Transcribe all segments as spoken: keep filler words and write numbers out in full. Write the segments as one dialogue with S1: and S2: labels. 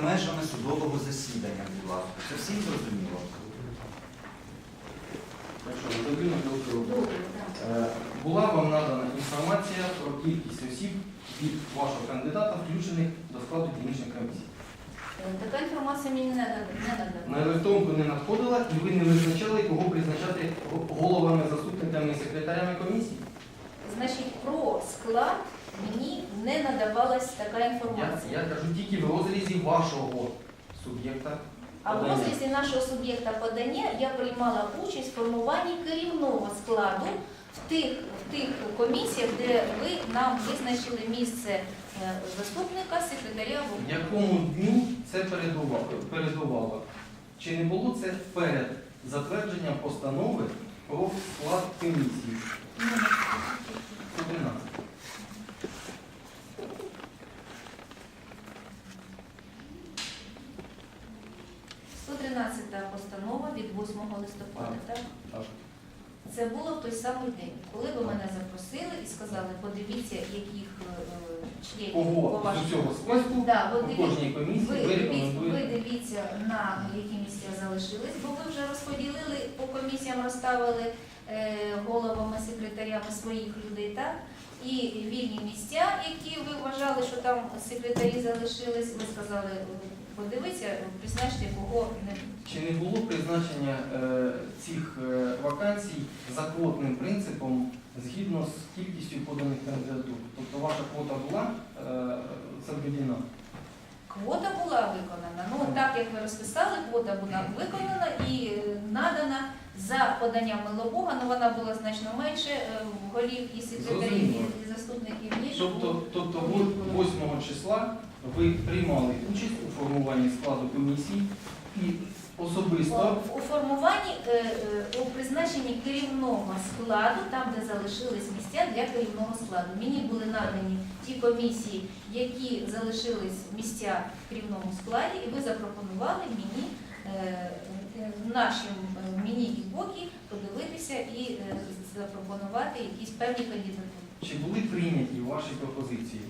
S1: межами судового засідання, будь ласка. Це всім зрозуміло?
S2: Була вам надана інформація про кількість осіб від вашого кандидата, включених до складу дільничних комісій?
S3: Така інформація мені не надана.
S2: На електронку не надходила і ви не визначали, кого призначати головами, заступниками і секретарями комісії?
S3: Значить, про склад мені не надавалась така інформація.
S2: Я, я кажу тільки в розрізі вашого суб'єкта.
S3: А в розрізі нашого суб'єкта подання я приймала участь в формуванні керівного складу в тих, в тих комісіях, де ви нам визначили місце заступника, секретаря.
S2: В якому дні це передувало? передувало? Чи не було це перед затвердженням постанови про склад комісії? сто тринадцять.
S3: сто тринадцята постанова від восьмого листопада, так?
S2: Так.
S3: Це було в той самий день, коли ви мене запросили і сказали, подивіться, яких е, членів
S2: Кого
S3: по вашому-
S2: з цього списку
S3: Да, от
S2: у
S3: дивіться,
S2: кожній комісії
S3: ви,
S2: ви
S3: дивіться, ви
S2: рекомендуєте?
S3: дивіться, на які місця залишились, бо ви вже розподілили, по комісіям розставили е, головами, секретарями своїх людей, так? І вільні місця, які ви вважали, що там секретарі залишились, ви сказали, подивіться, призначте, кого не.
S2: Чи не було призначення е, цих е, вакансій за квотним принципом згідно з кількістю поданих кандидатур? Тобто ваша квота була е, заведена?
S3: Квота була виконана. Ну, так як ви розписали, квота була виконана і е, надана за поданням Милобога, але вона була значно менше е, голів і секретарів,
S2: Зрозуміло.
S3: і заступників, ніж
S2: Тобто,
S3: було.
S2: тобто восьмого числа ви приймали участь у формуванні складу комісії і особисто
S3: У- у формуванні, е, е, у призначенні керівного складу, там, де залишились місця для керівного складу. Мені були надані ті комісії, які залишились місця в керівному складі, і ви запропонували мені е, е, нашим е, мені і боки подивитися і е, запропонувати якісь певні кандидатури.
S2: чи були прийняті ваші пропозиції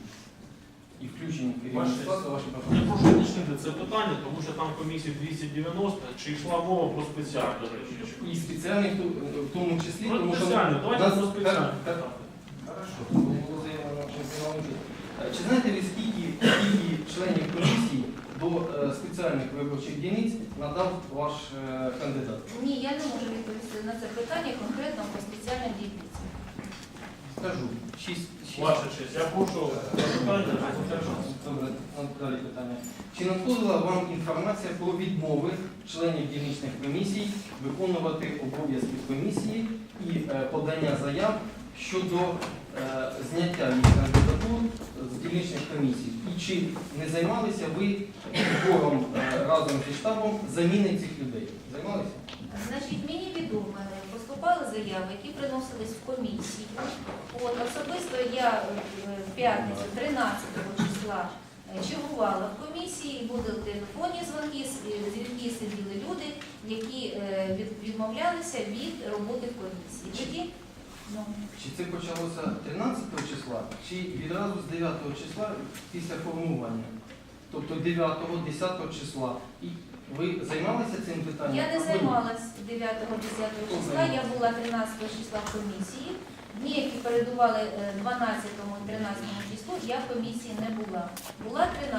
S2: і включені в керівний
S4: Ваші-
S2: склад ваші
S4: Я
S2: пропозиції?
S4: прошу уточнити це питання, тому що там комісії двісті дев'яносто, чи йшла мова про спеціальну речі?
S2: І спеціальний в ту- в тому числі,
S4: Про
S2: тому що
S4: спеціальну, давайте
S2: нас-
S4: про спеціальну.
S2: так, так. Хорошо, було заявлено, що приймали участь. Е, Чи знаєте ви, скільки, скільки членів комісії до е, спеціальних виборчих дільниць надав ваш е, кандидат?
S3: Ні, я не можу відповісти на це питання конкретно по спеціальній дільниці.
S2: Скажу, шість. шість.
S4: Ваша честь, я прошу запитання.
S2: Добре, далі питання. Чи надходила вам інформація про відмови членів дільничних комісій виконувати обов'язки комісії і е, подання заяв щодо е, зняття їх кандидатур з дільничних комісій? І чи не займалися ви збором е, разом зі штабом заміни цих людей? Займалися?
S3: Значить, мені відомо, поступали заяви, які приносились в комісію. От, особисто я е, в п'ятницю, тринадцятого числа, е, чергувала в комісії, були телефонні дзвонки, с- е, дзвінки сиділи люди, які е, від- відмовлялися від роботи в комісії. Тоді, ну,
S2: Чи це почалося тринадцятого числа, чи відразу з дев'ятого числа після формування? Тобто дев'ятого, десятого числа. І ви займалися цим питанням?
S3: я не
S2: Або ні?
S3: займалась дев'ятого-десятого числа, я була тринадцятого числа в комісії. Дні, які передували е, дванадцятому і тринадцятому числу, я в комісії не була. Була тринадцятого.